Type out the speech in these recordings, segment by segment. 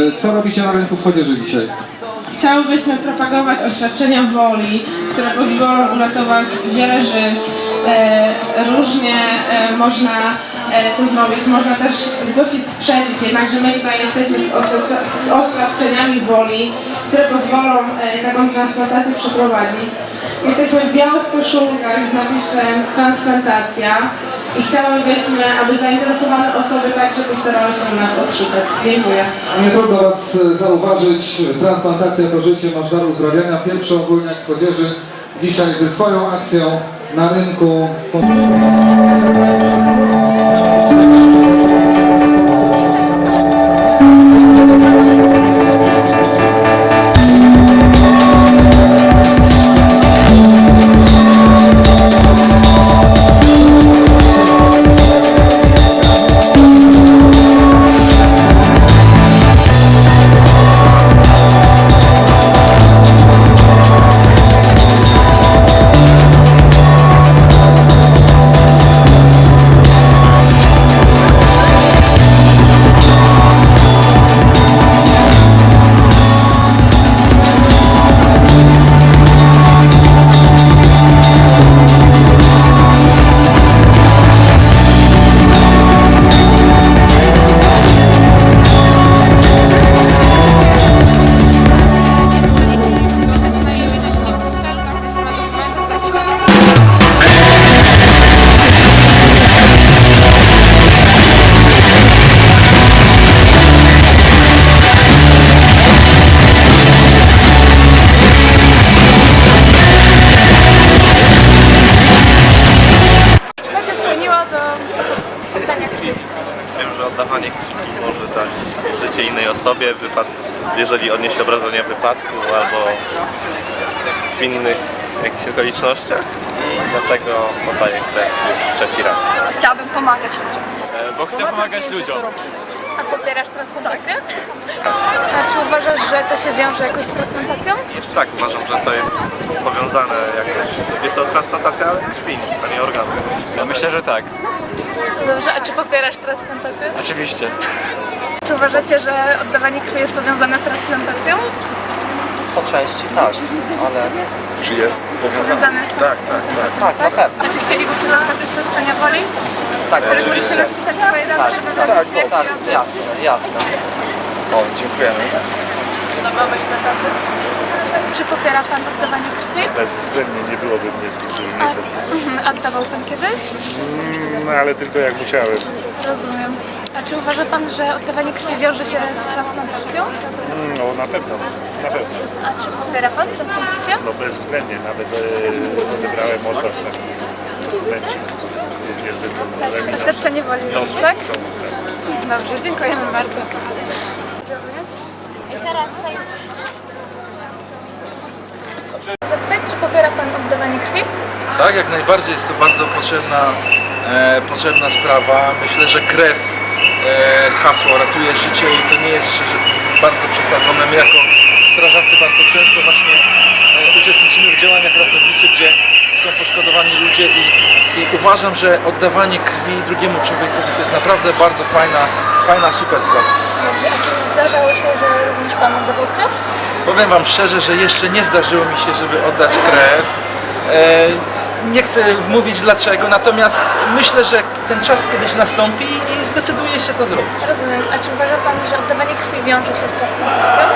Co robicie na rynku w Chodzieży dzisiaj? Chciałybyśmy propagować oświadczenia woli, które pozwolą uratować wiele żyć. Różnie można to zrobić, można też zgłosić sprzeciw, jednakże my tutaj jesteśmy z oświadczeniami woli, które pozwolą taką transplantację przeprowadzić. Jesteśmy w białych koszulkach z napisem transplantacja i chciałybyśmy, aby zainteresowane osoby także postarały się nas odszukać. Dziękuję. Nie trudno Was zauważyć, transplantacja to życie, masz dar uzdrawiania. Pierwszy ogólniak z Chodzieży dzisiaj ze swoją akcją na rynku. Wiem, że oddawanie krwi może dać życie innej osobie, jeżeli odniesie obrażenia w wypadku albo w innych jakichś okolicznościach i dlatego oddaję krew już trzeci raz. Chciałabym pomagać ludziom. Bo chcę pomagać ludziom. A popierasz transplantację? A czy uważasz, że to się wiąże jakoś z transplantacją? Tak, uważam, że to jest powiązane jakoś. Jest to transplantacja krwi, a nie organu. Ja myślę, że tak. Dobrze, a czy popierasz transplantację? Oczywiście. Czy uważacie, że oddawanie krwi jest powiązane z transplantacją? Po części tak, ale... Czy jest powiązane? Powiązane z transplantacją? Tak, na pewno. A czy chcielibyście dostać oświadczenia woli? Tak, Które możecie oczywiście. rozpisać swoje dane, żeby w razie śmierci Tak, oddać? jasne, jasne. O, dziękujemy. Czy popiera Pan oddawanie krwi? Bezwzględnie nie byłoby mnie w tym A oddawał Pan kiedyś? No ale tylko jak musiałem. Rozumiem. A czy uważa Pan, że oddawanie krwi wiąże się z transplantacją? No na pewno, na pewno. A czy popiera Pan transplantację? No bezwzględnie, nawet odebrałem od was taki dokumencik. Również Tak, oświadczenie woli, tak? są. Dobrze, dziękujemy bardzo. Zapytać, czy popiera Pan oddawanie krwi? Tak, jak najbardziej jest to bardzo potrzebna sprawa. Myślę, że krew, hasło ratuje życie i to nie jest bardzo przesadzone. My jako strażacy bardzo często właśnie uczestniczymy w działaniach ratowniczych, gdzie są poszkodowani ludzie i uważam, że oddawanie krwi drugiemu człowiekowi to jest naprawdę bardzo fajna, super sprawa. Dobrze, a czy zdarzało się, że również Pan oddawał krew? Powiem Wam szczerze, że jeszcze nie zdarzyło mi się, żeby oddać krew. Nie chcę mówić dlaczego, natomiast myślę, że ten czas kiedyś nastąpi i zdecyduje się to zrobić. Rozumiem. A czy uważa Pan, że oddawanie krwi wiąże się z transplantacją?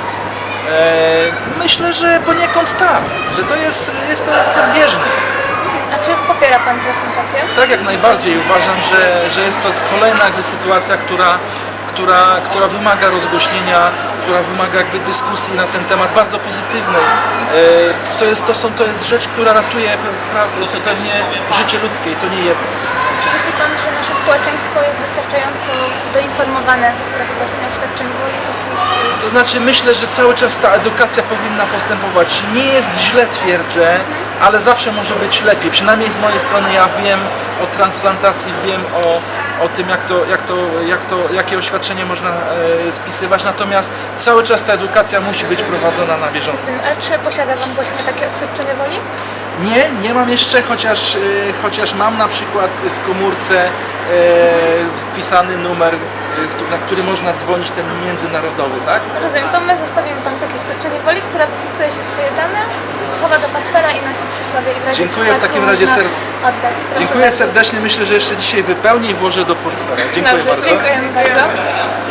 Myślę, że poniekąd tak, że to jest to zbieżne. A czy popiera Pan transplantację? Tak, jak najbardziej. Uważam, że jest to kolejna sytuacja, która wymaga rozgłośnienia, która wymaga jakby dyskusji na ten temat bardzo pozytywnej. To jest rzecz, która ratuje pewnie życie ludzkie i to nie jedno. Czy myśli Pan, że nasze społeczeństwo jest wystarczająco doinformowane w sprawie właśnie oświadczeń woli? To znaczy myślę, że cały czas ta edukacja powinna postępować. Nie jest źle, twierdzę, ale zawsze może być lepiej. Przynajmniej z mojej strony ja wiem o transplantacji, wiem o tym, jakie oświadczenie można spisywać, natomiast cały czas ta edukacja musi być prowadzona na bieżąco. A czy posiada Pan właśnie takie oświadczenie woli? Nie mam jeszcze, chociaż mam na przykład w komórce wpisany numer, na który można dzwonić, ten międzynarodowy, tak? Rozumiem, to my zostawimy Pan takie świadczenie woli, które wpisuje się swoje dane, chowa do portfela i nosi przy sobie. I w razie Dziękuję w przypadku takim razie można oddać. Proszę Dziękuję bardzo. serdecznie, myślę, że jeszcze dzisiaj wypełnię i włożę do portfela. Dziękuję Dobrze, bardzo. dziękujemy bardzo.